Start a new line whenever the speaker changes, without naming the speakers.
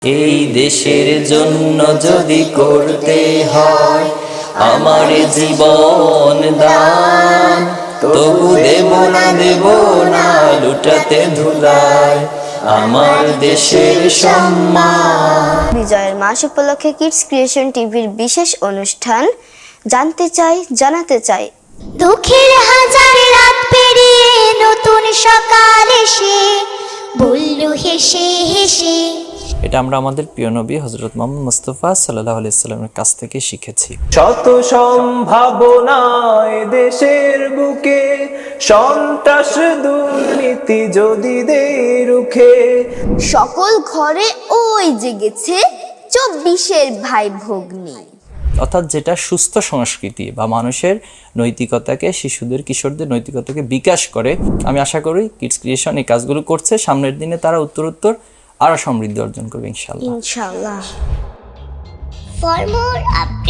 এই দেশের জন্য যদি করতে হয় আমার জীবন দান, তবু দেব না লুটাতে ধুলায় আমার দেশের সম্মান।
বিজয়ের মাস উপলক্ষে কিডস ক্রিয়েশন টিভির বিশেষ অনুষ্ঠান জানতে চাই জানাতে চাই।
দুঃখের হাজার রাত পেরিয়ে নতুন সকাল এসে বলল হেসে হেসে।
এটা আমরা আমাদের প্রিয় নবী হযরত মুহাম্মদ মুস্তাফা সাল্লাল্লাহু আলাইহি সাল্লামের কাছ থেকে শিখেছি।
শত সম্ভাবনায় দেশের বুকে সন্ত্রাস দুর্নীতি যদি দেয় রুখে,
সকল ঘরে ওই জেগেছে 24-এর ভাই ভগ্নী।
অর্থাৎ যেটা সুস্থ সংস্কৃতি বা মানুষের নৈতিকতাকে, শিশুদের কিশোরদের নৈতিকতাকে বিকাশ করে। আমি আশা করি কিডস ক্রিয়েশন এই কাজগুলো করছে, সামনের দিনে তারা উত্তরোত্তর আরো সমৃদ্ধি অর্জন করবে ইনশাআল্লাহ।
ইনশাআল্লাহ।
For more updates